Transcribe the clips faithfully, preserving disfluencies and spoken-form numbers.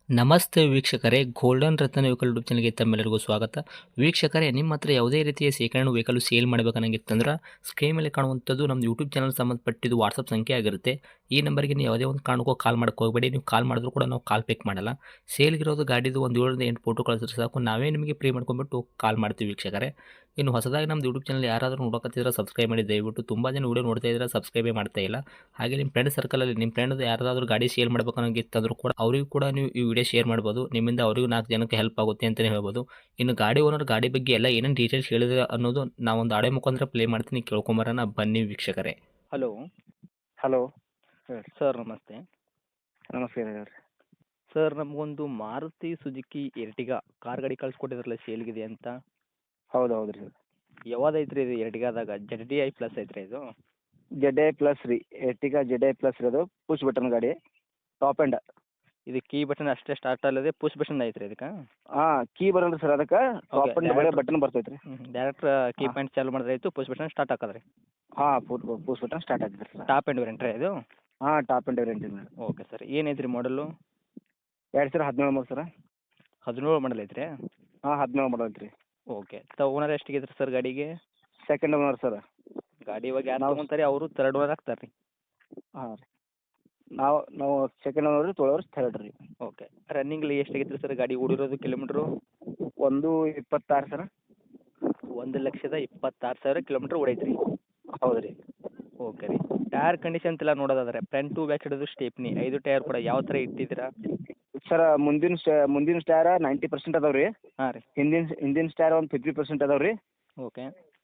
ನಮಸ್ತೆ ವೀಕ್ಷಕರೇ, ಗೋಲ್ಡನ್ ರತ್ನ vehicle YouTube ಚಾನಲ್ಗೆ ತಮ್ಮೆಲ್ಲರಿಗೂ ಸ್ವಾಗತ. ವೀಕ್ಷಕರೇ, ನಿಮ್ಮ ಹತ್ರ ಯಾವುದೇ ರೀತಿಯ ಶೇಖರಣೆ ವೆಹಿಕಲ್ ಸೇಲ್ ಮಾಡಬೇಕನ್ನಂಗಿತ್ತಂದ್ರೆ ಸ್ಕ್ರೀನ್ ಮೇಲೆ ಕಾಣುವಂಥದ್ದು ನಮ್ಮ ಯೂಟ್ಯೂಬ್ ಚಾನಲ್ ಸಂಬಂಧಪಟ್ಟಿದ್ದು ವಾಟ್ಸಪ್ ಸಂಖ್ಯೆ ಆಗಿರುತ್ತೆ. ಈ ನಂಬರ್ಗೆ ನೀವು ಯಾವುದೇ ಒಂದು ಕಾರಣಕ್ಕೂ ಕಾಲ್ ಮಾಡಕ್ಕೆ ಹೋಗಬೇಡಿ. ನೀವು ಕಾಲ್ ಮಾಡಿದ್ರು ಕೂಡ ನಾವು ಕಾಲ್ ಪಿಕ್ ಮಾಡಲ್ಲ. ಸೇಲ್ಗಿರೋದು ಗಾಡಿದು ಒಂದು ಏಳರಿಂದ ಎಂಟು ಫೋಟೋ ಕಳಿಸಿದ್ರೆ ಸಾಕು, ನಾವೇ ನಿಮಗೆ ಪ್ರೀ ಮಾಡ್ಕೊಂಡ್ಬಿಟ್ಟು ಕಾಲ್ ಮಾಡ್ತೀವಿ ವೀಕ್ಷಕರೇ. ಇನ್ನು ಹೊಸದಾಗಿ ನಮ್ಮದು ಯೂಟ್ಯೂಬ್ ಚಾನಲ್ ಯಾರಾದರೂ ನೋಡೋಕತ್ತಿದ್ರೆ ಸಬ್ಸ್ಕ್ರೈಬ್ ಮಾಡಿ ದಯವಿಟ್ಟು. ತುಂಬ ಜನ ವೀಡಿಯೋ ನೋಡ್ತಾ ಇದ್ದಾರೆ, ಸಬ್ಸ್ಕ್ರೈಬೇ ಮಾಡ್ತಾ ಇಲ್ಲ. ಹಾಗೆ ನಿಮ್ಮ ಫ್ರೆಂಡ್ ಸರ್ಕಲಲ್ಲಿ ನಿಮ್ಮ ಫ್ರೆಂಡ್ ಯಾರಾದರೂ ಗಾಡಿ ಸೇಲ್ ಮಾಡಬೇಕನ್ನೋಂಗಿತ್ತಂದ್ರೂ ಕೂಡ ಅವರಿಗೂ ಕೂಡ ನೀವು ಈ ವಿಡಿಯೋ ಶೇರ್ ಮಾಡ್ಬೋದು. ನಿಮ್ಮಿಂದ ಅವರಿಗೂ ನಾಲ್ಕು ಜನಕ್ಕೆ ಹೆಲ್ಪ್ ಆಗುತ್ತೆ ಅಂತಲೇ ಹೇಳ್ಬೋದು. ಇನ್ನು ಗಾಡಿ ಓನರ್ ಗಾಡಿ ಬಗ್ಗೆ ಎಲ್ಲ ಏನೇನು ಡೀಟೇಲ್ಸ್ ಹೇಳಿದ್ರೆ ಅನ್ನೋದು ನಾವೊಂದು ಆಡೆ ಮುಖಾಂತರ ಪ್ಲೇ ಮಾಡ್ತೀನಿ, ಕೇಳ್ಕೊಂಬರೋಣ ಬನ್ನಿ ವೀಕ್ಷಕರೇ. ಹಲೋ ಹಲೋ ಹೇಳ್ರಿ. ಸರ್, ನಮಸ್ತೆ. ನಮಸ್ಕಾರ ಹೇಳ್ರಿ. ಸರ್, ನಮಗೊಂದು ಮಾರುತಿ ಸುಜುಕಿ ಎರ್ಟಿಗಾ ಕಾರ್ ಗಾಡಿ ಕಳ್ಸಿಕೊಟ್ಟಿದ್ರಲ್ಲ ಸೇಲ್ಗಿದೆ ಅಂತ. ಹೌದು ಹೌದು ರೀ. ಯಾವ್ದು ಐತ್ರಿ ಇದು ಎರ್ಟಿಗಾದಾಗ? ಜೆಡ್ ಡಿ ಐ ಪ್ಲಸ್ ಐತ್ರಿ ಇದು? ಜೆಡ್ ಐ ಪ್ಲಸ್ ರೀ, ಎರ್ಟಿಗಾ ಜೆಡ್ ಐ ಪ್ಲಸ್ ರೀ. ಅದು ಪುಷ್ ಬಟನ್ ಗಾಡಿ, ಟಾಪ್ ಆ್ಯಂಡ್. ಇದು ಕೀ ಬಟನ್ ಅಷ್ಟೇ ಸ್ಟಾರ್ಟ್ ಅಲ್ಲದೆ ಪುಷ್ ಬಟನ್ ಐತ್ರಿ ಇದಕ್ಕೆ? ಹಾಂ, ಕೀ ಬರಲ್ಲ ಸರ್ ಅದಕ್ಕೆ, ಟಾಪ್ ಆ್ಯಂಡ್ ಬರೀ direct- ಬಟನ್ ಬರ್ತೈತೆ ರೀ. ಡೈರೆಕ್ಟ್ ಕೀ ಹಾ. ಪಾಯಿಂಟ್ ಚಾಲು ಮಾಡಿದ್ರೆ ಆಯಿತು, ಪುಷ್ ಬಟನ್ ಸ್ಟಾರ್ಟ್ ಹಾಕೋದ್ರಿ. ಹಾಂ, ಪುಟ್ ಪುಷ್ ಬಟನ್ ಸ್ಟಾರ್ಟ್ ಆಗ್ತದೆ ಸರ್. ಟಾಪ್ ಎಂಡ್ ವೇರಿಯಂಟ್ ರೀ ಇದು? ಹಾಂ, ಟಾಪ್ ಆ್ಯಂಡ್ ವೇರಿಯಂಟ್ ಇದೆ. ಓಕೆ ಸರ್, ಏನೈತ್ರಿ ಮಾಡಲು? ಎರಡು ಸಾವಿರ ಹದಿನೇಳು ಮೂರು ಸರ. ಹದಿನೇಳು ಮಾಡಲ್ ಐತ್ರಿ? ಹಾಂ, ಹದಿನೇಳು ಮಾಡಲ್ ಐತ್ರಿ. ಓಕೆ. ತ ಓನರ್ ಎಷ್ಟಿಗೆ ಸರ್ ಗಾಡಿಗೆ? Second owner sir. ಗಾಡಿ ಇವಾಗ ಯಾರು ನಾವು- ತೊಗೊಂತಾರೆ ಅವರು ತರ್ಡ್ ಓನರ್ ಆಗ್ತಾರೆ ರೀ? ಹಾಂ ರೀ. ನಾವು ನಾವು ಸೆಕೆಂಡ್ ಓನರ್ ರೀ, ತೊಗೊಳೋರು ಥರ್ಡ್ ರೀ. ಓಕೆ. ರನ್ನಿಂಗ್ಲಿ ಎಷ್ಟಾಗೈತ್ರಿ ಸರ್ ಗಾಡಿ ಓಡಿರೋದು ಕಿಲೋಮೀಟ್ರು? ಒಂದು ಇಪ್ಪತ್ತಾರು ಸರ. ಒಂದು ಲಕ್ಷದ ಇಪ್ಪತ್ತಾರು ಸಾವಿರ ಕಿಲೋಮೀಟ್ರ್ ಓಡೈತ್ರಿ? ಹೌದು ರೀ. ಓಕೆ ರೀ. ಟೈರ್ ಕಂಡೀಷನ್ ಎಲ್ಲ ನೋಡೋದಾದ್ರೆ ಫ್ರಂಟ್ ಟು ಬ್ಯಾಕ್ ಹಿಡಿದು ಸ್ಟೇಪ್ನಿ ಐದು ಟೈರ್ ಕೂಡ ಯಾವ ಥರ ಇಟ್ಟಿದ್ದೀರಾ? ಸರ್, ಮುಂದಿನ ಸ್ಟೇ ಮುಂದಿನ ಸ್ಟ್ಯಾರ ನೈಂಟಿ ಪರ್ಸೆಂಟ್ ಅದಾವೆ ರೀ. ಹಾಂ ರೀ. ಹಿಂದಿನ ಹಿಂದಿನ ಸ್ಟ್ಯಾರ ಒಂದು ಫಿಫ್ಟಿ ಪರ್ಸೆಂಟ್ ಅದಾವೆ ರೀ. ಓಕೆ.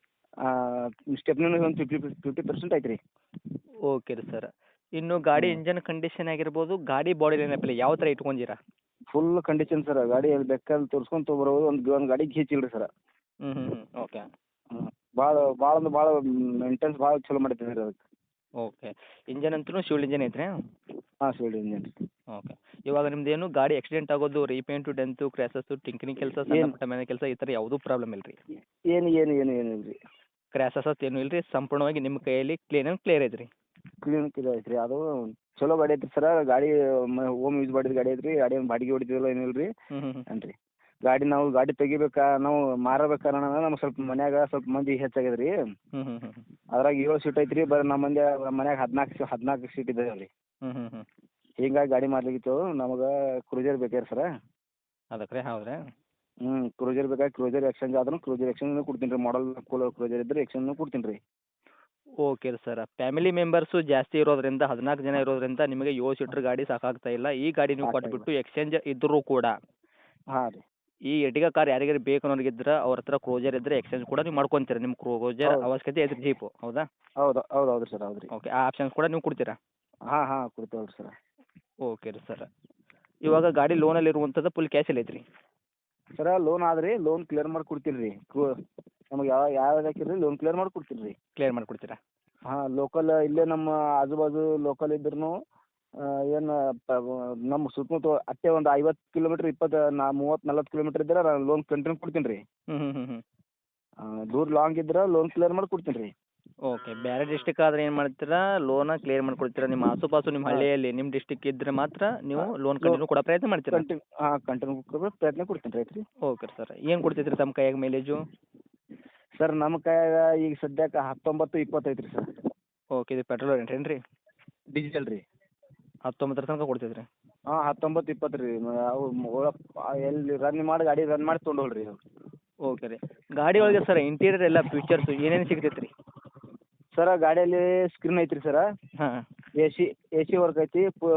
ಸ್ಟೆಪ್ನೂ ಒಂದು ಫಿಫ್ಟಿ ಫಿಫ್ಟಿ ಪರ್ಸೆಂಟ್ ಐತೆ ರೀ. ಓಕೆ ರೀ ಸರ್. ಇನ್ನು ಗಾಡಿ ಇಂಜನ್ ಕಂಡೀಷನ್ ಆಗಿರ್ಬೋದು, ಗಾಡಿ ಬಾಡಿ ಲೈನಪ್ಪಲ್ಲಿ ಯಾವ ಥರ ಇಟ್ಕೊಂಡಿರಾ? Full condition sir. ಗಾಡಿ ಎಲ್ಲಿ ಬೇಕಾದ್ರೆ ತೋರಿಸ್ಕೊಂಡು ತೊಗೊಬರ್ಬೋದು. ಒಂದು ಒಂದು ಗಾಡಿ ಗೀಚಿಲ್ಲ ರೀ ಸರ್. ಹ್ಞೂ ಹ್ಞೂ ಹ್ಞೂ ಓಕೆ. ಹ್ಞೂ, ಭಾಳ ಭಾಳ ಅಂದ್ರೆ ಭಾಳ ಮೇಂಟೆನ್ಸ್ ಭಾಳ ಚಲೋ ಮಾಡಿದ್ದೀವಿ ರೀ ಅದಕ್ಕೆ. ಓಕೆ. ಇಂಜನ್ ಅಂತೂ ಶಿವಲ್ ಇಂಜನ್ ಐತ್ರಿ? ಹಾಂ, ಶಿವಲ್ ಇಂಜನ್ ರೀ. ಓಕೆ. ಇವಾಗ ನಿಮ್ದೇನು ಗಾಡಿ ಆಕ್ಸಿಡೆಂಟ್ ಆಗೋದು, ರೀಪೇಂಟು, ಡೆಂತು, ಕ್ರ್ಯಾಸಸ್ಸು, ಟಿಂಕರಿಂಗ್ ಕೆಲಸ, ಸಣ್ಣ ಏನ್- ಪುಟ್ಟ ಮನೆ ಕೆಲಸ ಈ ಥರ ಯಾವುದೂ ಪ್ರಾಬ್ಲಮ್ ಇಲ್ಲ ರೀ? ಏನು ಏನು ಏನು ಏನು ಇಲ್ಲ ರೀ. ಕ್ರ್ಯಾಸಸ್ ಏನೂ ಇಲ್ಲ ರೀ, ಸಂಪೂರ್ಣವಾಗಿ ನಿಮ್ಮ ಕೈಯಲ್ಲಿ ಕ್ಲೀನ್ ಆ್ಯಂಡ್ ಕ್ಲಿಯರ್ ಐತೆ ರೀ? ಕ್ಲೀನ್ ಕ್ಲಿಯರ್ ಐತೆ ರೀ. ಅದು ಚಲೋ ಗಾಡಿ ಐತೆ ಸರ. ಗಾಡಿ ಹೋಮ್ ಯೂಸ್ ಮಾಡಿದ ಗಾಡಿ ಐತೆ ರೀ. ಗಾಡಿ ಏನು ಬಾಡಿಗೆ ಹೊಡಿತೀವಲ್ಲ ಏನಿಲ್ಲ ರೀ. ಹ್ಞೂ ಹ್ಞೂ ಹ್ಞೂ ಏನು ರೀ, ಗಾಡಿ ನಾವು ಗಾಡಿ ತೆಗಿಬೇಕಾ ನಾವು ಮಾರಬೇಕಾರೆ ನಮ್ಗೆ ಸ್ವಲ್ಪ ಮನ್ಯಾಗ ಸ್ವಲ್ಪ ಮಂದಿ ಹೆಚ್ಚಾಗಿದೆ ರೀ. ಹ್ಞೂ ಹ್ಞೂ ಹ್ಞೂ ಅದ್ರಾಗ ಏಳು ಸೀಟ್ ಐತೆ ರೀ. ಬರೀ ನಮ್ಮ ಮಂದಿ ಮನ್ಯಾಗ ಹದಿನಾಲ್ಕು ಹದಿನಾಲ್ಕು ಸೀಟ್ ಇದೆ ರೀ. ಹ್ಞೂ ಹ್ಞೂ ಹ್ಞೂ ಹಿಂಗಾಗಿ ಗಾಡಿ ಮಾಡ್ಲಿಕ್ಕಿತ್ತು. ನಮಗೆ ಕ್ರೂಜರ್ ಬೇಕಾರೆ ಸರ. ಅದಕ್ಕೆ ರೀ? ಹೌದ್ರಾ? ಹ್ಞೂ, ಕ್ರೂಜರ್ ಬೇಕಾಗಿ ಕ್ರೂಜರ್ ಎಕ್ಸ್ಚೇಂಜ್ ಆದ್ರೂ ಕ್ರೂಜರ್ ಎಕ್ಸ್ಚೇಂಜ್ ಕೊಡ್ತೀನಿ ರೀ. ಮಾಡಲ್ ಕೂಲ್ ಕ್ರೂಜರ್ ಇದ್ದರೆ ಎಕ್ಸ್ಚೇಂಜ್ ಕೊಡ್ತೀನಿ ರೀ. ಓಕೆ ರೀ ಸರ್. ಫ್ಯಾಮಿಲಿ ಮೆಂಬರ್ಸು ಜಾಸ್ತಿ ಇರೋದ್ರಿಂದ, ಹದಿನಾಲ್ಕು ಜನ ಇರೋದ್ರಿಂದ ನಿಮಗೆ ಏಳು ಸೀಟ್ರ್ ಗಾಡಿ ಸಾಕಾಗ್ತಾ ಇಲ್ಲ. ಈ ಗಾಡಿ ನೀವು ಸಾಕಾಗಿಲ್ಲ. ಕೊಟ್ಬಿಟ್ಟು ಎಕ್ಸ್ಚೇಂಜ್ ಇದ್ದರೂ ಕೂಡ ಹಾಂ ರೀ. ಈ ಎರ್ಟಿಗಾ ಕಾರ್ ಯಾರಿಗಾರು ಬೇಕು ಅನ್ನೋರಿಗಿದ್ರೆ ಅವ್ರ ಹತ್ರ ಕ್ರೂಜರ್ ಇದ್ದರೆ ಎಕ್ಸ್ಚೇಂಜ್ ಕೂಡ ನೀವು ಮಾಡ್ಕೊತೀರಾ. ನಿಮ್ಮ ಕ್ರೂಜರ್ ಹೌದು. ಅವಶ್ಯಕತೆ ಐತ್ರಿ ಜೀಪು, ಹೌದಾ? ಹೌದು ಹೌದು ಹೌದು ರೀ ಸರ್. ಹೌದು ರೀ. ಓಕೆ. ಆ ಆಪ್ಷನ್ಸ್ ಕೂಡ ನೀವು ಕೊಡ್ತೀರಾ? ಹಾಂ ಹಾಂ ಕೊಡ್ತೇವೆ ರೀ ಸರ್. ಓಕೆ ರೀ ಸರ್. ಇವಾಗ ಗಾಡಿ ಲೋನಲ್ಲಿ ಇರುವಂಥದ್ದು ಫುಲ್ ಕ್ಯಾಶಲ್ಲಿ ಐತ್ರಿ? ಸರ, ಲೋನ್ ಆದ್ರಿ, ಲೋನ್ ಕ್ಲಿಯರ್ ಮಾಡಿ ಕೊಡ್ತೀನಿ ರೀ. ಕ್ರೂ ನಮಗೆ ಯಾವ ಯಾವ್ದು ಹಾಕಿರಿ ಲೋನ್ ಕ್ಲಿಯರ್ ಮಾಡಿ ಕೊಡ್ತೀನಿ ರೀ. ಕ್ಲಿಯರ್ ಮಾಡಿಕೊಡ್ತೀರಾ? ಹಾಂ, ಲೋಕಲ್ ಇಲ್ಲೇ ನಮ್ಮ ಆಜು ಬಾಜು ಲೋಕಲ್ ಇದ್ರೂ ಏನು ನಮ್ಮ ಸುತ್ತಮುತ್ತ ಅಷ್ಟೇ ಒಂದು ಐವತ್ತು ಕಿಲೋಮೀಟ್ರ್ ಇಪ್ಪತ್ತು ನಾ ಮೂವತ್ತು ನಲ್ವತ್ತು ಕಿಲೋಮೀಟ್ರ್ ಇದ್ರೆ ನಾನು ಲೋನ್ ಕಂಟಿನ್ಯೂ ಕೊಡ್ತೀನಿ ರೀ. ಹ್ಞೂ ಹ್ಞೂ ಹ್ಞೂ ಹ್ಞೂ ದೂರ ಲಾಂಗ್ ಇದ್ರೆ ಲೋನ್ ಕ್ಲಿಯರ್ ಮಾಡಿ ಕೊಡ್ತೀನಿ ರೀ. ಓಕೆ. ಬೇರೆ ಡಿಸ್ಟಿಕ್ ಆದರೆ ಏನು ಮಾಡ್ತೀರಾ, ಲೋನ ಕ್ಲಿಯರ್ ಮಾಡ್ಕೊಡ್ತೀರಾ? ನಿಮ್ಮ ಆಸುಪಾಸು ನಿಮ್ಮ ಹಳ್ಳಿಯಲ್ಲಿ ನಿಮ್ಮ ಡಿಸ್ಟಿಕ್ ಇದ್ದರೆ ಮಾತ್ರ ನೀವು ಲೋನ್ ಕಂಟಿನ್ಯೂ ಕೊಡೋ ಪ್ರಯತ್ನ ಮಾಡ್ತೀರಾ? ಕಂಟಿನ್ಯೂ ಹಾಂ ಕಂಟಿನ್ಯೂ ಕೊಡೋ ಪ್ರಯತ್ನ ಕೊಡ್ತೀನಿ ರೀ. ಆಯ್ತು ರೀ. Okay sir. ಏನು ಕೊಡ್ತೈತ್ರಿ ತಮ್ಮ ಕೈಯಾಗ ಮೈಲೇಜು? ಸರ್, ನಮ್ಮ ಕೈಯಾಗ ಈಗ ಸದ್ಯಕ್ಕೆ ಹತ್ತೊಂಬತ್ತು ಇಪ್ಪತ್ತೈತೆ ರೀ ಸರ್. ಓಕೆ. ಇದು ಪೆಟ್ರೋಲ್ ವೇರಿಯಂಟ್ ಏನು ರೀ? ಡಿಜಿಟಲ್ ರೀ. ಹತ್ತೊಂಬತ್ತರ ತನಕ ಕೊಡ್ತೈತ್ರಿ? ಹಾಂ, ಹತ್ತೊಂಬತ್ತು ಇಪ್ಪತ್ತು ರೀ. ಅವು ಒಳಗೆ ಎಲ್ಲಿ ರನ್ ಮಾಡಿ ಗಾಡಿ ರನ್ ಮಾಡಿ ತೊಗೊಂಡೋಗ್ರಿ ರೀ. ಓಕೆ ರೀ. ಗಾಡಿ ಒಳಗೆ ಸರ್ ಇಂಟೀರಿಯರ್ ಎಲ್ಲ ಫೀಚರ್ಸು ಏನೇನು ಸಿಗ್ತೈತೆ ರೀ? ಸರ, ಗಾಡಿಯಲ್ಲಿ ಸ್ಕ್ರೀನ್ ಐತ್ರಿ ಸರ. ಹಾಂ. A C A C work ಐತಿ. ಪು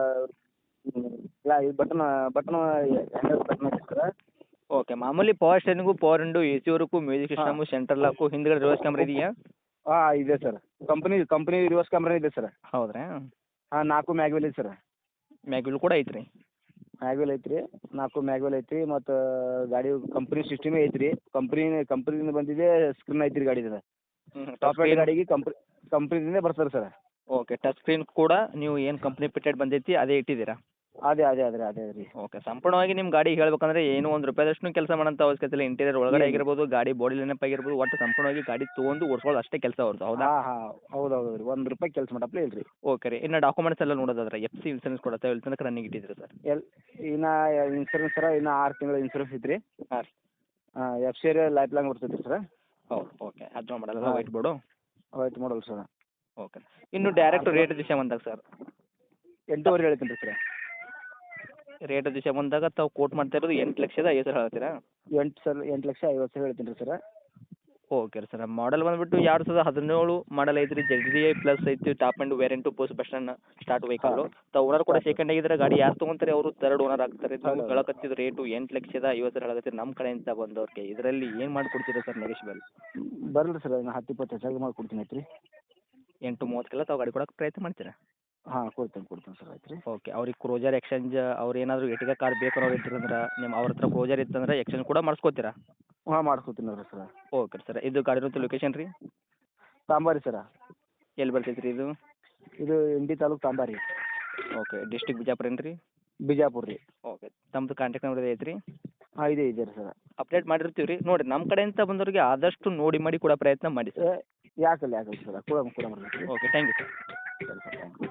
ಬಟನ್ ಬಟನ್ ಬಟನ್ ಐತಿ ಸರ. ಓಕೆ. ಮಾಮೂಲಿ power steering, power window, A C work, music system, central lock, ಹಿಂದ್ಗಡೆ ರಿವರ್ಸ್ ಕ್ಯಾಮ್ರಾ ಇದೆಯಾ? ಹಾಂ, ಇದೆ sir. Company company reverse camera ಇದೆ ಸರ್. ಹೌದ್ರಾ? ಹಾಂ, ನಾಲ್ಕು ಮ್ಯಾಗ್ವೆಲ್ ಐತಿ ಸರ್. ಮ್ಯಾಗ್ವಿಲ್ ಕೂಡ ಐತ್ರಿ? ಮ್ಯಾಗ್ವೆಲ್ ಐತ್ರಿ. ನಾಲ್ಕು ಮ್ಯಾಗ್ವೆಲ್ ಐತ್ರಿ. ಮತ್ತು ಗಾಡಿ ಕಂಪ್ನಿ ಸಿಸ್ಟಮೇ ಐತ್ರಿ. ಕಂಪ್ನಿ ಕಂಪ್ನಿಯಿಂದ ಬಂದಿದೆ ಸ್ಕ್ರೀನ್ ಐತ್ರಿ ಗಾಡಿದ. ಹ್ಞೂ. ಟಾಪ್ ಎಂಡ್ ಗಾಡಿಗೆ ಕಂಪ್ನಿ ಕಂಪ್ನಿದಿಂದ ಬರ್ತಾರೆ ಸರ್. ಓಕೆ. ಟಚ್ ಸ್ಕ್ರೀನ್ ಕೂಡ ನೀವು ಏನು ಕಂಪ್ನಿ ಫಿಟೆಡ್ ಬಂದೈತಿ ಅದೇ ಇಟ್ಟಿದ್ದೀರಾ? ಅದೇ ಅದೇ ಅದೇ ಅದೇ ರೀ. ಓಕೆ. ಸಂಪೂರ್ಣವಾಗಿ ನಿಮ್ಮ ಗಾಡಿ ಹೇಳ್ಬೇಕಂದ್ರೆ ಏನು ಒಂದು ರೂಪಾಯಿದಷ್ಟು ಕೆಲಸ ಮಾಡೋಂಥ ಅವಶ್ಯಕತೆ ಇಲ್ಲ. ಇಂಟೀರಿಯರ್ ಒಳಗಡೆ ಏನು? ಆಗಿರ್ಬೋದು, ಗಾಡಿ ಬಾಡಿ ಲೈನಪ್ ಆಗಿರ್ಬೋದು, ಒಟ್ಟು ಸಂಪೂರ್ಣವಾಗಿ ಗಾಡಿ ತೊಗೊಂಡು ಓಡಿಸ್ಕೊಳ್ಳೋದು ಅಷ್ಟೇ ಕೆಲಸ ಅವ್ರದ್ದು, ಹೌದಾ? ಹಾಂ ಹಾಂ ಹೌದು ಹೌದು ರೀ. ಒಂದು ರೂಪಾಯಿ ಕೆಲಸ ಮಾಡಪ್ಲೇ ಇಲ್ಲ ರೀ. ಓಕೆ ರೀ. ಇನ್ನು ಡಾಕ್ಯುಮೆಂಟ್ಸ್ ಎಲ್ಲ ನೋಡೋದಾದ್ರೆ ಎಫ್ ಸಿ ಇನ್ಸೂರೆನ್ಸ್ ಕೊಡುತ್ತೆ ಎಲ್ಲಿ ತನಕ ರನ್ನಿಂಗ್ ಇಟ್ಟಿದ್ದೀರಿ ಸರ್? ಎಲ್ ಇನ್ನು ಇನ್ಸೂರೆನ್ಸ್ ಸರ ಇನ್ನು ಆರು ತಿಂಗಳ ಇನ್ಸೂರೆನ್ಸ್ ಐತ್ರಿ. ಹಾಂ ರೀ. ಎಫ್ ಸಿ ಲೈಫ್ ಲಾಂಗ್ ಬರ್ತೈತೆ ರೀ ಸರ್. ಹೌದು ಓಕೆ ಹದಿನೇಳು ಮಾಡಲ್ಲ ಹಾಂ. White board. White model sir. Okay ಇನ್ನು ಡೈರೆಕ್ಟ್ ರೇಟ್ ವಿಷಯ ಬಂದಾಗ ಸರ್ ಎಂಟೂವರೆ ಹೇಳ್ತೀನಿ ರೀ ಸರ್. ರೇಟ್ ವಿಷಯ ಬಂದಾಗ ತಾವು ಕೋಟ್ ಮಾಡ್ತಾ ಇರೋದು ಎಂಟು ಲಕ್ಷದ ಐವತ್ತು ಸಾವಿರ ಹೇಳ್ತೀರಾ? ಎಂಟು ಸರ್ ಎಂಟು ಲಕ್ಷ ಐವತ್ತು ಸಾವಿರ ಹೇಳ್ತೀನಿ ರೀ ಸರ್. ಓಕೆ ರೀ ಸರ್ ಮಾಡಲ್ ಬಂದುಬಿಟ್ಟು ಎರಡು ಸಾವಿರದ ಹದಿನೇಳು ಮಾಡಲ್ ಐತ್ರಿ ಜೆಡ್ ಡಿ ಐ ಪ್ಲಸ್ ಐತಿ ಟಾಪ್ ಆ್ಯಂಡ್ ವೇರಿಯಂಟು ಪೋಸ್ಟ್ ಬಸ್ಟನ್ನ ಸ್ಟಾರ್ಟ್ ವೆಹಿಕಲ್ಲು. ತಾವು ಓನರ್ ಕೂಡ ಸೆಕೆಂಡ್ ಆಗಿದ್ರೆ ಗಾಡಿ ಯಾರು ತೊಗೊಂತಾರೆ ಅವರು ತರ್ಡ್ ಓನರ್ ಆಗ್ತಾರೆ. ಹೌದು, ನೀವು ಹೌದು. ಹೇಳಕತ್ತಿದ್ದು ರೇಟು ಎಂಟು ಲಕ್ಷದ ಐವತ್ತು ಸಾವಿರ ಹೇಳಕತ್ತೀರಿ ನಮ್ಮ ಕಡೆಯಿಂದ ಬಂದವ್ರಿಗೆ. ಇದರಲ್ಲಿ ಏನು ಮಾಡಿಕೊಡ್ತೀರಾ ಸರ್ ನೆಗೆಶ್ಬಲ್? ಬರಲಿ ಸರ್ ಇನ್ನು ಹತ್ತು ಇಪ್ಪತ್ತು ಹೆಚ್ಚಾಗಿ ಮಾಡ್ಕೊಡ್ತೀನಿ ಆಯ್ತು ರೀ. ಎಂಟು ಮೂವತ್ತಕ್ಕೆಲ್ಲ ತಾವು ಗಾಡಿ ಕೊಡೋಕೆ ಪ್ರಯತ್ನ ಮಾಡ್ತೀರಾ? ಹಾಂ ಕೊಡ್ತೀನಿ ಕೊಡ್ತೀನಿ ಸರ್ ಆಯ್ತು ರೀ. ಓಕೆ ಅವ್ರಿಗೆ ಕ್ರೋಜರ್ ಎಕ್ಸ್ಚೇಂಜ್ ಅವ್ರು ಏನಾದರೂ ಎಟಿಗ ಕಾರ್ ಬೇಕಾರೋರು ಇದ್ರಂದ್ರೆ ನಿಮ್ಮ ಅವ್ರ ಹತ್ರ ಕ್ರೋಜರ್ ಇತ್ತಂದ್ರೆ ಎಕ್ಸ್ಚೇಂಜ್ ಕೂಡ ಮಾಡಿಸ್ಕೋತೀರಾ? ಹಾಂ ಮಾಡ್ಕೊತೀನಿ ರೀ ಸರ್. ಓಕೆ ಸರ್ ಇದು ಗಾಡಿರೋದು ಲೊಕೇಶನ್ ರೀ ತಾಂಬಾರಿ ಸರ. ಎಲ್ಲಿ ಬರ್ತೈತೆ ರೀ ಇದು? ಇದು ಇಂಡಿ ತಾಲೂಕು ತಾಂಬಾರಿ. ಓಕೆ ಡಿಸ್ಟಿಕ್ ಬಿಜಾಪುರ ಏನು ರೀ? ಬಿಜಾಪುರ ರೀ. ಓಕೆ ತಮ್ಮದು ಕಾಂಟ್ಯಾಕ್ಟ್ ನಂಬರ್ ಐತೆ ರೀ? ಹಾಂ ಇದೆ ಇದೆ ರೀ ಸರ್. ಅಪ್ಡೇಟ್ ಮಾಡಿರ್ತೀವಿ ರೀ. ನೋಡಿರಿ ನಮ್ಮ ಕಡೆಯಿಂದ ಬಂದವರಿಗೆ ಆದಷ್ಟು ನೋಡಿ ಮಾಡಿ ಕೊಡೋ ಪ್ರಯತ್ನ ಮಾಡಿ ಸರ್. ಯಾಕಲ್ಲ ಯಾಕಲ್ಲ ಸರ್ ಕೊಡಮ್ ಕೊಡಮ್ ರೀ. Okay thank you sir. ಸರಿ ಸರ್ ಥ್ಯಾಂಕ್ ಯು.